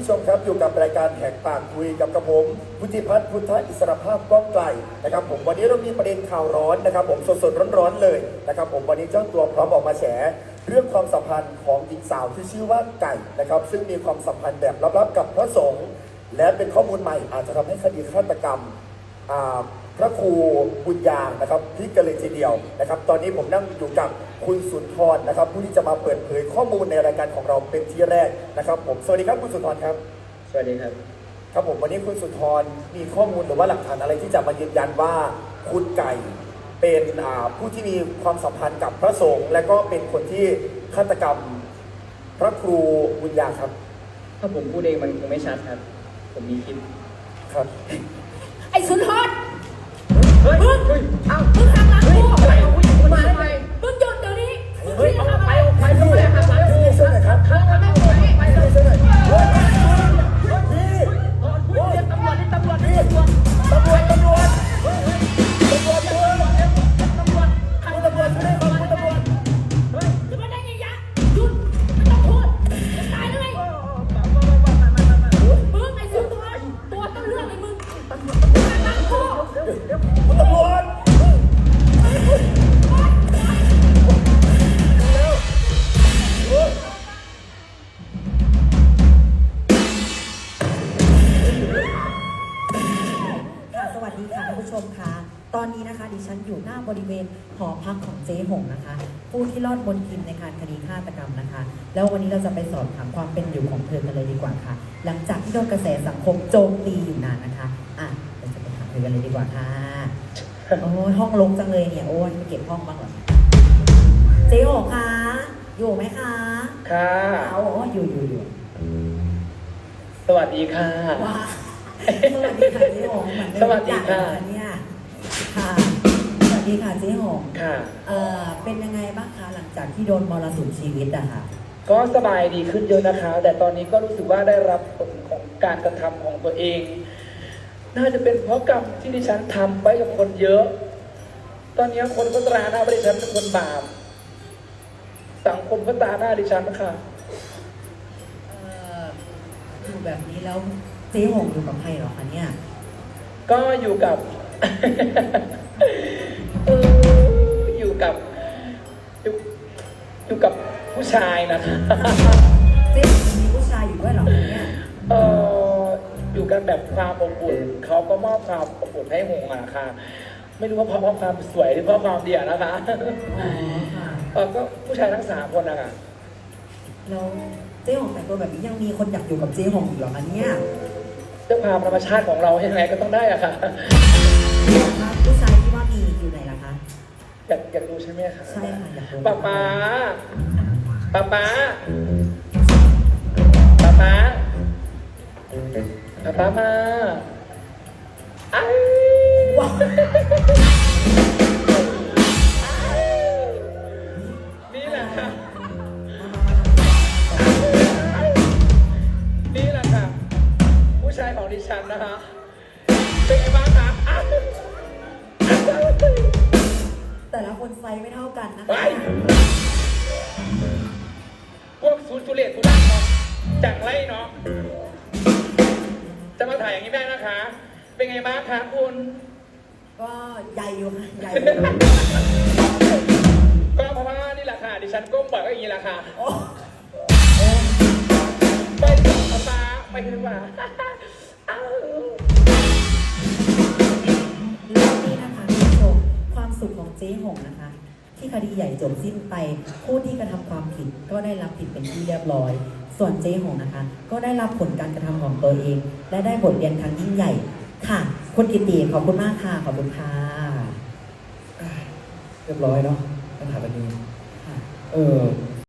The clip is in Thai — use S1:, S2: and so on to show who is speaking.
S1: ผู้ชมครับอยู่กับรายการแหกปากคุยกับกระผมพุทธิพัฒน์พุทธอิสรภาพก้องไกลนะครับผมวันนี้เรามีประเด็นข่าวร้อนนะครับผมสดๆร้อนๆเลยนะครับผมวันนี้เจ้าตัวพร้อมออกมาแฉเรื่องความสัมพันธ์ของหญิงสาวที่ชื่อว่าไก่นะครับซึ่งมีความสัมพันธ์แบบลับๆกับพระสงฆ์และเป็นข้อมูลใหม่อาจจะทำให้คดีฆาตกรรมพระครูบุญยางนะครับพลิกกันเลยทีเดียวนะครับตอนนี้ผมนั่งอยู่กับคุณสุนทรนะครับผู้ที่จะมาเปิดเผยข้อมูลในรายการของเราเป็นที่แรกนะครับผมสวัสดีครับคุณสุนทรครับ
S2: สวัสดีครับ
S1: ครับผมวันนี้คุณสุนทรมีข้อมูลหรือว่าหลักฐานอะไรที่จะมายืนยันว่าคุณไก่เป็นผู้ที่มีความสัมพันธ์กับพระสงฆ์และก็เป็นคนที่ฆาตกรรมพระครูบุญยางครับ
S2: ถ้าผมพูดเองมันคงไม่ชัดครับผมมีคลิป
S1: ครับ
S3: ไอ้สุนทร
S2: เฮ้ย
S3: เอ้ามึงหักหลังกู
S2: อะไรผู้หญิงคนมาได้ไง
S3: มึงหยุดเดี๋ยวนี้
S2: เฮ้ยเอาไปพูดเลยหักหลังกู
S1: ช่วยหน่อยครับ
S2: ไปเลย
S1: ช่วยหน่อย
S2: พี่เรียกตำรวจนี่ตำรวจ
S1: ตำรวจช่วยคนตำรวจ
S3: จะมาได้ไงยะหยุดไม่ต้องพูดจะตายหรือไงมึงไอ้สุนทรตัวต้นเรื่องเลยมึงหักหลังกู
S1: คุณตำรวจ
S4: สวัสดีค่ะท่านผู้ชมค่ะตอนนี้นะคะดิฉันอยู่หน้าบริเวณหอพักของเจ๊หงนะคะผู้ที่รอดมนทินในการคดีฆาตกรรมนะคะแล้ววันนี้เราจะไปสอบถามความเป็นอยู่ของเธอกันเลยดีกว่าค่ะหลังจากที่โดนกระแสสังคมโจมตีอยู่นานนะคะเราจะไปถามเธอกันเลยดีกว่าค่ะโอ้ห้องลงจังเลยเนี่ยโอ้ยไปเก็บห้องบ้างหรอเจ๊หงคะอยู่ไหมคะ
S2: ค่ะ
S4: เอาอยู่
S2: สวัสดีค่ะ
S4: ว้าสวัสดีค่ะเจ๊หงเหมือนเดิม
S2: สวัสดีค่ะ
S4: เนี่ยค่ะสวัสดีค่ะเจ๊หง
S2: ค่ะ
S4: เป็นยังไงบ้างคะหลังจากที่โดนมรสุมชีวิตอะค่ะ
S2: ก็สบายดีขึ้นเยอะนะคะแต่ตอนนี้ก็รู้สึกว่าได้รับผลของการกระทำของตัวเองน่าจะเป็นเพราะกรรมที่ดิฉันทำไปกับคนเยอะตอนนี้คนก็ตราหน้าว่าดิฉันเป็นคนบาปสังคมก็ตราหน้าดิฉันนะคะ
S4: อยู่แบบนี้แล้วเจ๊หงอยู่กับใครหรอคะเนี่ย
S2: ก็อยู่กับ อยู่กับผู้ชายนะคะ
S4: เจ๊มีผู้ชายอยู่ด้วยหรอเนี่ย
S2: อยู่กันแบบความอบอุ่นเขาก็มอบความอบอุ่นให้หงอะค่ะไม่รู้ว่าเพราะความสวยหรือเพราะความเดียนะคะก็ผู้ชายทั้ง3 คนนะคะ
S4: แล้วเจ๊หงแต่งตัวแบบนี้ยังมีคนอยากอยู่กับเจ๊หงอยู่หรอคะเนี่ย
S2: ด้วยความธรรมชาติของเรายังไงก็ต้องได้อะค่ะ
S4: ผู้ชายที่ว่ามีอยู่ไหนล่ะคะ
S2: อยากดูใช่ไหมคะ
S4: ใช่ค่ะอยากดู
S2: ป๊าป๊ามา
S4: ว้าว
S2: นี่แหละค่ะผู้ชายของดิฉันนะคะเป็นไงบ้างคะ
S4: แต่ละคนไซส์ไม่เท่ากันนะคะ
S2: พวกซูจูเลียตซูร่าเนาะจังไรเนาะจะมาถ่ายอย่างนี้ได้นะคะเป็นไงบ้างคะคุณ
S4: ก็ใหญ่อยู่ค่ะใหญ่
S2: ก็เพราะว่านี่แหละค่ะดิฉันก้มบ่อยก็อย่างนี้แหละค่ะไปถึงฟ้าไปถึงฟ้า
S4: แล้วนี่นะคะคุณผู้ชมความสุขของเจ๊หงนะคะที่คดีใหญ่จบสิ้นไปผู้ที่กระทำความผิดก็ได้รับผิดเป็นที่เรียบร้อยส่วนเจ๊หงนะคะก็ได้รับผลการกระทำของตัวเองและได้บทเรียนครั้งยิ่งใหญ่ค่ะคุณกิติขอบคุณมากค่ะขอบคุณค่ะ
S1: เรียบร้อยเนาะปัญหาแบบนี้